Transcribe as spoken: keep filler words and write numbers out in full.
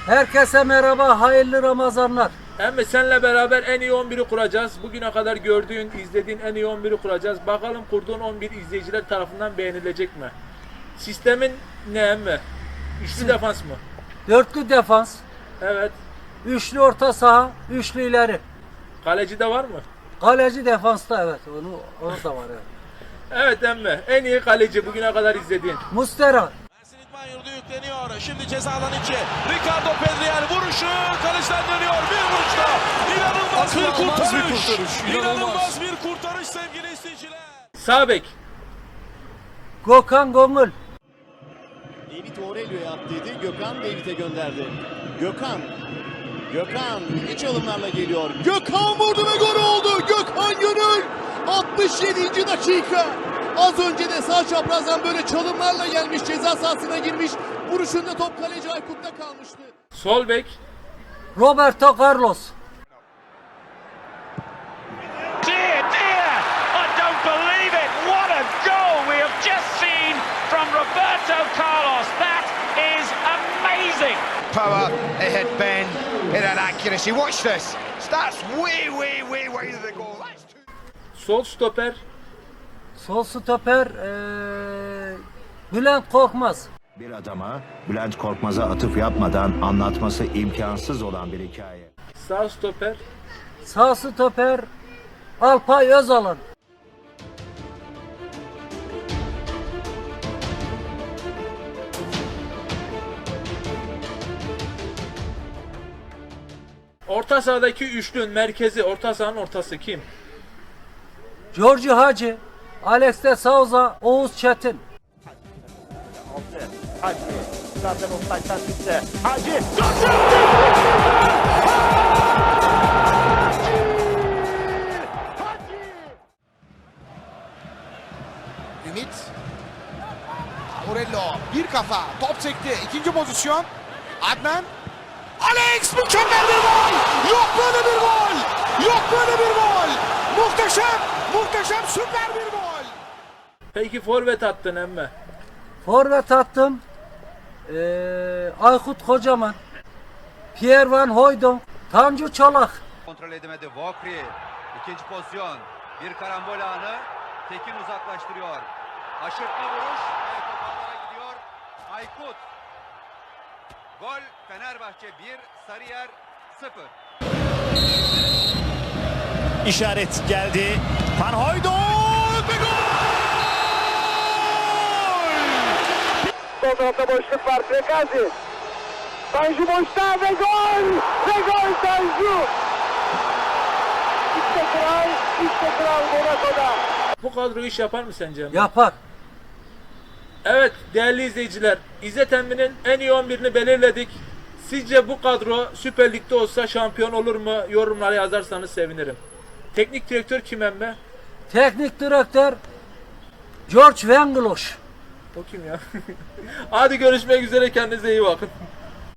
Herkese merhaba, hayırlı Ramazanlar. Emmi senle beraber en iyi on biri kuracağız. Bugüne kadar gördüğün, izlediğin en iyi on biri kuracağız. Bakalım kurduğun on bir izleyiciler tarafından beğenilecek mi? Sistemin ne emmi? Üçlü defans mı? Dörtlü defans, Evet. üçlü orta saha, üçlü ileri. Kaleci de var mı? Kaleci defansta, evet, onu, onu da var. Evet. Evet emmi. En iyi kaleci bugüne kadar izlediğin. Mustera, Ersin İdman Yurdu yükleniyor. Şimdi ceza alanı içi. Ricardo Pedriel vuruşu. Kaleciden dönüyor. Bir vuruşta. İnanılmaz bir kurtarış. bir kurtarış. İnanılmaz bir kurtarış sevgili izleyiciler. Sağ bek. Gökhan Gongul, David Aurelio'ya attıydı. Gökhan David'e gönderdi. Gökhan. Gökhan iç alımlarla geliyor. Gökhan vurdu ve gol oldu. Gökhan Gönül. altmış yedinci dakika. Az önce de sağ çaprazdan böyle çalımlarla gelmiş. Ceza sahasına girmiş. Vuruşunda top kaleci Aykut'ta kalmıştı. Sol bek. Roberto Carlos, Dear, dear, I don't believe it. What a goal we have just seen from Roberto Carlos. That is amazing. Power, it hit Ben, it had accuracy. Watch this. Starts way, way, way wide of the goal. That's two. Sol stoper. sol stoper, ee, Bülent Korkmaz, Bir adama Bülent Korkmaz'a atıf yapmadan anlatması imkansız olan bir hikaye. Sağ stoper. sağ stoper, Alpay Özalan, Orta sahadaki üçlünün merkezi, orta sahanın ortası kim? Giorgio Hacı, Alex de Souza, Oğuz Çetin. Hacı, zaten offside'dan çıktı. Hacı, Ümit. Morello bir kafa top çekti. İkinci pozisyon. Adnan. Alex mükemmel bir gol. Yok böyle bir gol. Yok böyle bir gol. Muhteşem. Muhteşem süper bir gol. Peki forvet attın emmi. Forvet attım, ee, Aykut Kocaman, Pierre Van Hooydonk, Tanju Çolak. Kontrol edemedi Vokri. İkinci pozisyon. Bir karambol anı. Tekin uzaklaştırıyor. Aşırtma vuruş ve top ağlara gidiyor. Aykut. Gol Fenerbahçe bir, Sarıyer sıfır. İşaret geldi. Van Hooijdonk ve gol! Sol tarafta boşluk var. Frekazi. Tanju boşta ve gol! Ve gol Tanju! İşte kral, işte kral Monaco'da. Bu kadro iş yapar mı sence emmi? Yapar. Evet değerli izleyiciler, İzzet Emmi'nin en iyi on birini belirledik. Sizce bu kadro Süper Lig'de olsa şampiyon olur mu? Yorumlara yazarsanız sevinirim. Teknik direktör kim emmi? Teknik direktör George Vengeloş. O kim ya? Hadi görüşmek üzere, kendinize iyi bakın.